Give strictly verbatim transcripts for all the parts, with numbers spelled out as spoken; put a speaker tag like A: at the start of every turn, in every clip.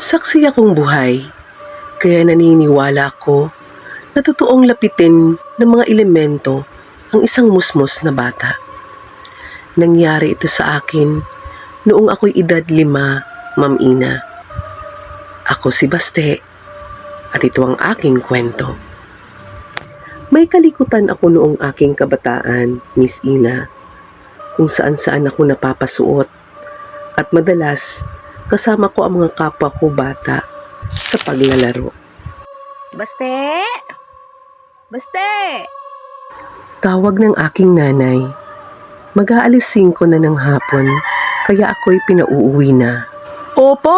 A: Saksi akong buhay, kaya naniniwala ko na totoong lapitin ng mga elemento ang isang musmos na bata. Nangyari ito sa akin noong ako'y edad lima, Ma'am Ina. Ako si Baste at ito ang aking kwento. May kalikutan ako noong aking kabataan, Miss Ina, kung saan-saan ako napapasuot at madalas kasama ko ang mga kapwa ko bata sa paglalaro.
B: Baste! Baste!
A: Tawag ng aking nanay. Mag-aalis singko na ng hapon, kaya ako'y pinauuwi na.
B: Opo!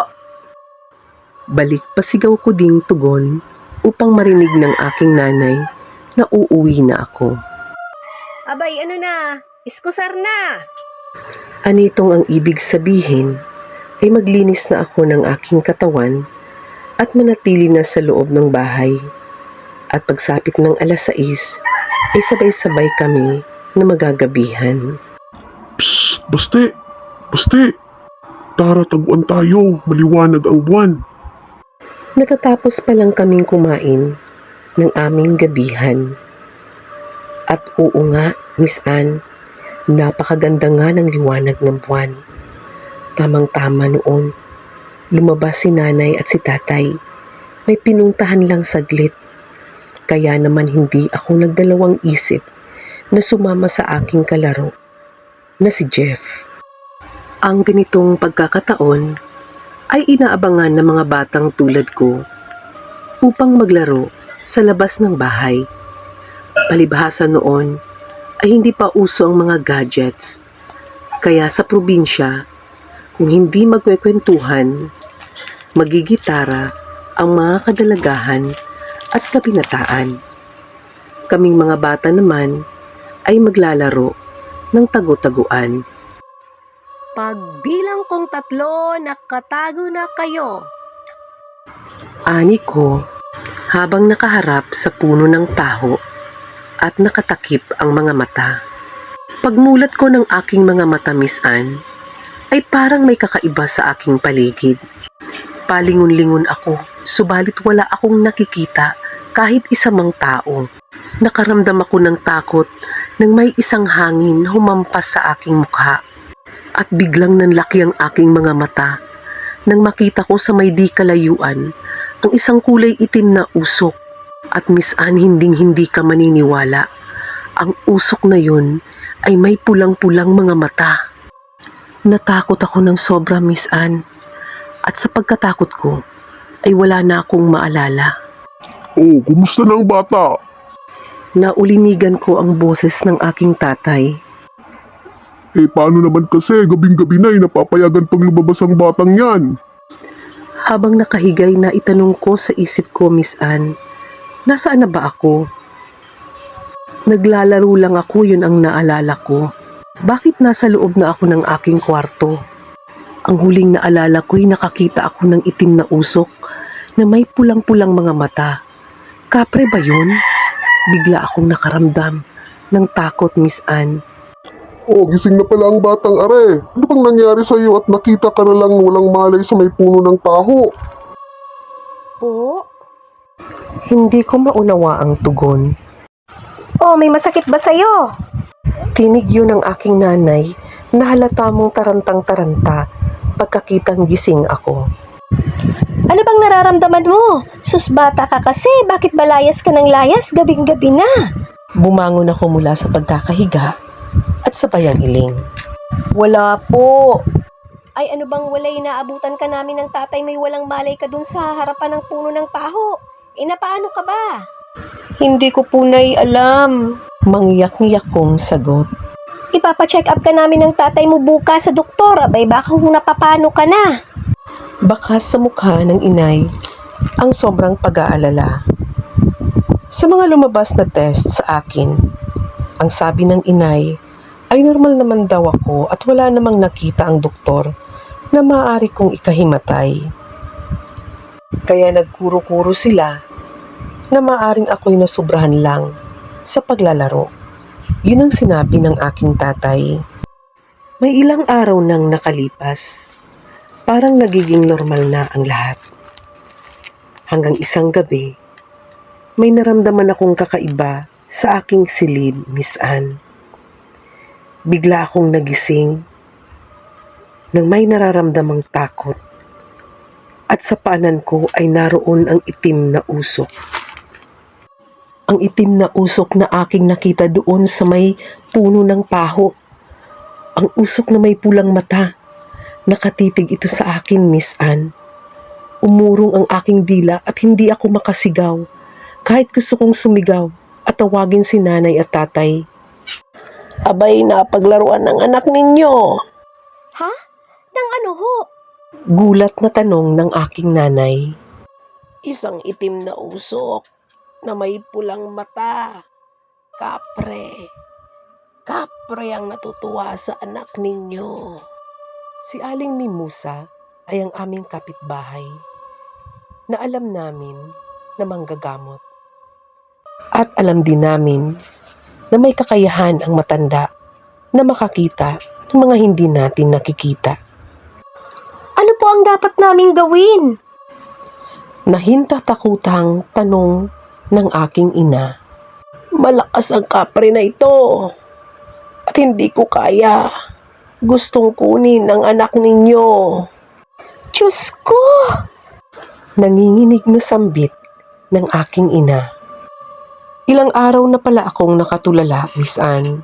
A: Balik pasigaw ko ding tugon upang marinig ng aking nanay na uuwi na ako.
B: Abay, ano na? Iskusar na!
A: Anitong ang ibig sabihin ay maglinis na ako ng aking katawan at manatili na sa loob ng bahay. At pagsapit ng alas sais ay sabay-sabay kami na magagabihan.
C: Psst! Baste! Baste! Tara, taguan tayo. Maliwanag ang buwan.
A: Natatapos pa lang kaming kumain ng aming gabihan. At oo nga, Miss Ann, napakaganda nga ng liwanag ng buwan. Tamang-tama noon, lumabas si nanay at si tatay. May pinuntahan lang saglit. Kaya naman hindi ako nagdalawang isip na sumama sa aking kalaro na si Jeff. Ang ganitong pagkakataon ay inaabangan ng mga batang tulad ko upang maglaro sa labas ng bahay. Palibhasa noon ay hindi pa uso ang mga gadgets. Kaya sa probinsya, kung hindi magkwekwentuhan, magigitara ang mga kadalagahan at kabinataan. Kaming mga bata naman ay maglalaro ng tago-taguan.
B: Pagbilang kong tatlo, nakatago na kayo.
A: Ani ko, habang nakaharap sa puno ng taho at nakatakip ang mga mata. Pagmulat ko ng aking mga mata, Miss Ann, ay parang may kakaiba sa aking paligid. Palingon-lingon ako, subalit wala akong nakikita kahit isa mang tao. Nakaramdam ako ng takot nang may isang hangin humampas sa aking mukha. At biglang nanlaki ang aking mga mata nang makita ko sa may di kalayuan ang isang kulay itim na usok. At Miss Ann, hinding-hindi ka maniniwala. Ang usok na yun ay may pulang-pulang mga mata. Natakot ako ng sobra, Miss Ann. At sa pagkatakot ko, ay wala na akong maalala.
C: Oh, kumusta na ang bata?
A: Naulinigan ko ang boses ng aking tatay.
C: Eh, paano naman kasi gabing-gabi na eh, napapayagan pang lumabas ang batang yan?
A: Habang nakahigay na itanong ko sa isip ko, Miss Ann, nasaan na ba ako? Naglalaro lang ako, yun ang naalala ko. Bakit nasa loob na ako ng aking kwarto? Ang huling naalala ko'y nakakita ako ng itim na usok na may pulang-pulang mga mata. Kapre ba yun? Bigla akong nakaramdam ng takot, Miss Ann.
C: Oh, gising na pala ang batang are. Ano bang nangyari sa iyo at nakita ka na lang walang malay sa may puno ng taho?
B: Po?
A: Hindi ko maunawa ang tugon.
B: Oh, may masakit ba sa'yo?
A: Tinig yun ng aking nanay na halata mong tarantang-taranta pagkakitang gising ako.
B: Ano bang nararamdaman mo? Sus, bata ka kasi. Bakit ba layas ka ng layas? Gabing-gabi na.
A: Bumangon ako mula sa pagkakahiga at sabay ang iling.
B: Wala po. Ay, ano bang walay, naabutan ka namin ng tatay, may walang malay ka dun sa harapan ng puno ng paho. E napaano ka ba?
A: Hindi ko po naialam. Mangyak-ngyak kong sagot.
B: Ipapacheck up ka namin ng tatay mo bukas sa doktor. Abay, baka kung napapano ka na.
A: Bakas sa mukha ng inay ang sobrang pag-aalala. Sa mga lumabas na test sa akin, ang sabi ng inay ay normal naman daw ako at wala namang nakita ang doktor na maaari kong ikahimatay. Kaya nagkuro-kuro sila na maaaring ako'y nasubrahan lang sa paglalaro. Yun ang sinabi ng aking tatay. May ilang araw nang nakalipas Parang nagiging normal na ang lahat. Hanggang isang gabi, may naramdaman akong kakaiba sa aking silid, Miss Anne. Bigla akong nagising nang may nararamdamang takot at sa paanan ko ay naroon ang itim na usok. Ang itim na usok na aking nakita doon sa may puno ng paho. Ang usok na may pulang mata. Nakatitig ito sa akin, Miss Anne. Umurong ang aking dila at hindi ako makasigaw. Kahit gusto kong sumigaw at tawagin si nanay at tatay. Abay, napaglaruan ng anak ninyo.
B: Ha? Nang ano ho?
A: Gulat na tanong ng aking nanay. Isang itim na usok na may pulang mata. Kapre. Kapre ang natutuwa sa anak ninyo. Si Aling Mimusa ay ang aming kapitbahay na alam namin na manggagamot. At alam din namin na may kakayahan ang matanda na makakita ng mga hindi natin nakikita.
B: Ano po ang dapat naming gawin?
A: Nahintatakutang tanong ng aking ina. Malakas ang kapre na ito at hindi ko kaya. Gustong kunin ang anak ninyo.
B: Diyos ko!
A: Nanginginig na sambit ng aking ina. Ilang araw na pala akong nakatulala, Miss Anne.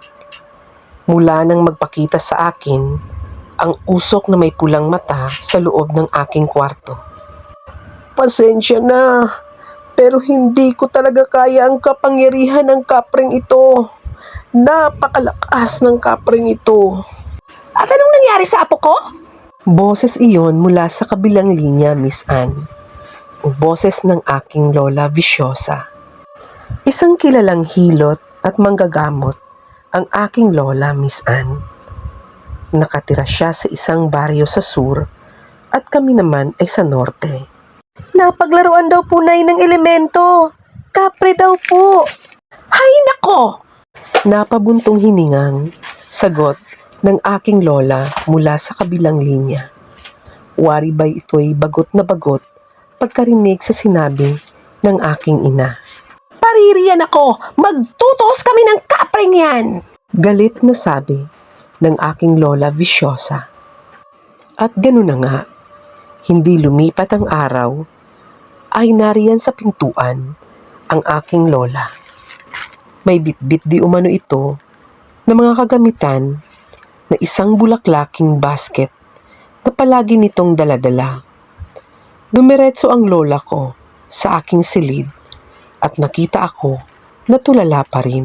A: Mula nang magpakita sa akin ang usok na may pulang mata sa loob ng aking kwarto. Pasensya na, pero hindi ko talaga kaya ang kapangyarihan ng kapring ito. Napakalakas ng kapring ito.
B: At anong nangyari sa apo ko?
A: Boses iyon mula sa kabilang linya, Miss Anne. Boses ng aking lola Viciosa. Isang kilalang hilot at manggagamot ang aking lola, Miss Anne. Nakatira siya sa isang baryo sa sur at kami naman ay sa norte.
B: Napaglaruan daw po nay ng elemento. Kapre daw po.
A: Hay nako! Napabuntong hiningang sagot ng aking lola mula sa kabilang linya. Wari ba ito'y bagot na bagot pagkarinig sa sinabi ng aking ina. Paririyan ako! Magtutuos kami ng kapring yan! Galit na sabi ng aking lola Viciosa. At gano'n na nga, hindi lumipat ang araw, ay nariyan sa pintuan ang aking lola. May bitbit di umano ito na mga kagamitan na isang bulaklaking basket na palagi nitong daladala. Dumiretso ang lola ko sa aking silid at nakita ako na tulala pa rin.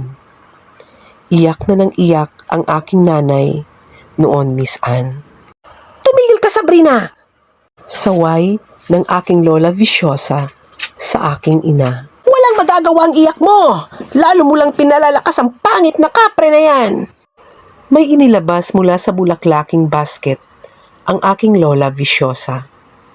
A: Iyak na nang iyak ang aking nanay noon, Miss Anne. Tumigil ka, Sabrina! Saway ng aking lola Viciosa sa aking ina. Walang magagawa ang iyak mo! Lalo mo lang pinalalakas ang pangit na kapre na yan! May inilabas mula sa bulaklaking basket ang aking lola Viciosa.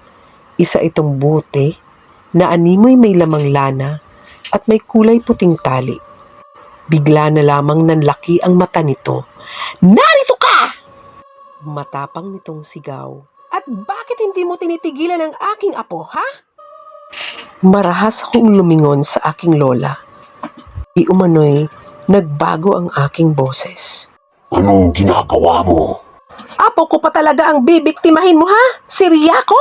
A: Isa itong bote na animoy may lamang lana at may kulay puting tali. Bigla na lamang nanlaki ang mata nito. Narito ka! Matapang nitong sigaw. At bakit hindi mo tinitigilan ang aking apo, ha? Marahas akong lumingon sa aking lola. Di umano'y nagbago ang aking boses.
C: Anong ginagawa mo?
A: Apo ko pa talaga ang bibiktimahin mo, ha? Si Riaco?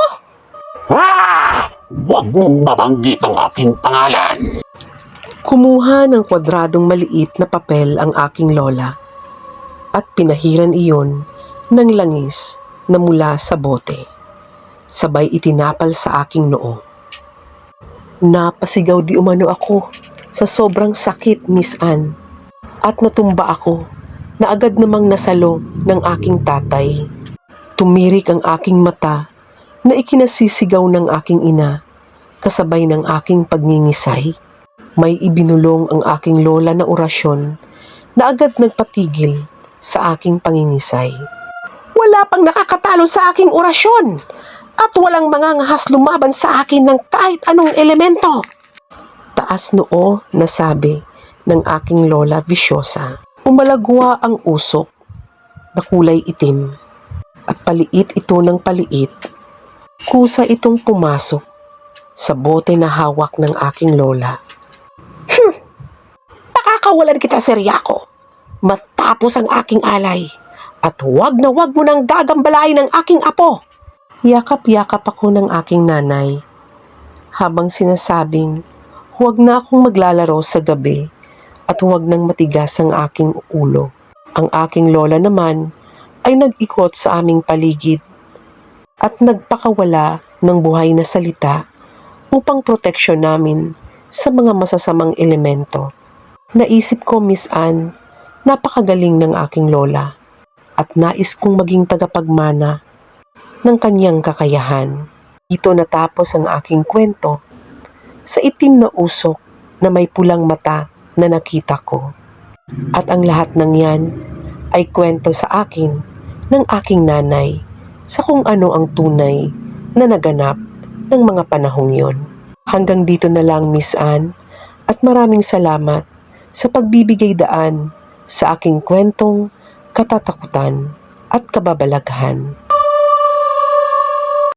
C: Ah! Huwag mong babanggit ang aking pangalan.
A: Kumuha ng kwadradong maliit na papel ang aking lola at pinahiran iyon ng langis na mula sa bote. Sabay itinapal sa aking noo. Napasigaw di umano ako sa sobrang sakit, Miss Anne, at natumba ako na agad namang nasalo ng aking tatay. Tumirik ang aking mata na ikinasisigaw ng aking ina kasabay ng aking pagningisay. May ibinulong ang aking lola na orasyon na agad nagpatigil sa aking pangingisay. Wala pang nakakatalo sa aking orasyon at walang mangangahas lumaban sa akin ng kahit anong elemento. Taas noo na sabi ng aking lola Viciosa. Umalagwa ang usok na kulay itim at paliit ito ng paliit Kusa itong pumasok sa bote na hawak ng aking lola. Pakakawalan kita, Seryako, matapos ang aking alay. At huwag na huwag mo nang gagambalain ng aking apo. Yakap-yakap ako ng aking nanay habang sinasabing huwag na akong maglalaro sa gabi at huwag nang matigas ang aking ulo. Ang aking lola naman ay nag-ikot sa aming paligid at nagpakawala ng buhay na salita upang proteksyon namin sa mga masasamang elemento. Naisip ko, Miss Anne, napakagaling ng aking lola at nais kong maging tagapagmana ng kanyang kakayahan. Dito natapos ang aking kwento sa itim na usok na may pulang mata na nakita ko. At ang lahat ng yan ay kwento sa akin ng aking nanay sa kung ano ang tunay na naganap ng mga panahong yon. Hanggang dito na lang, Miss Anne, at maraming salamat sa pagbibigay daan sa aking kwentong katatakutan at kababalaghan.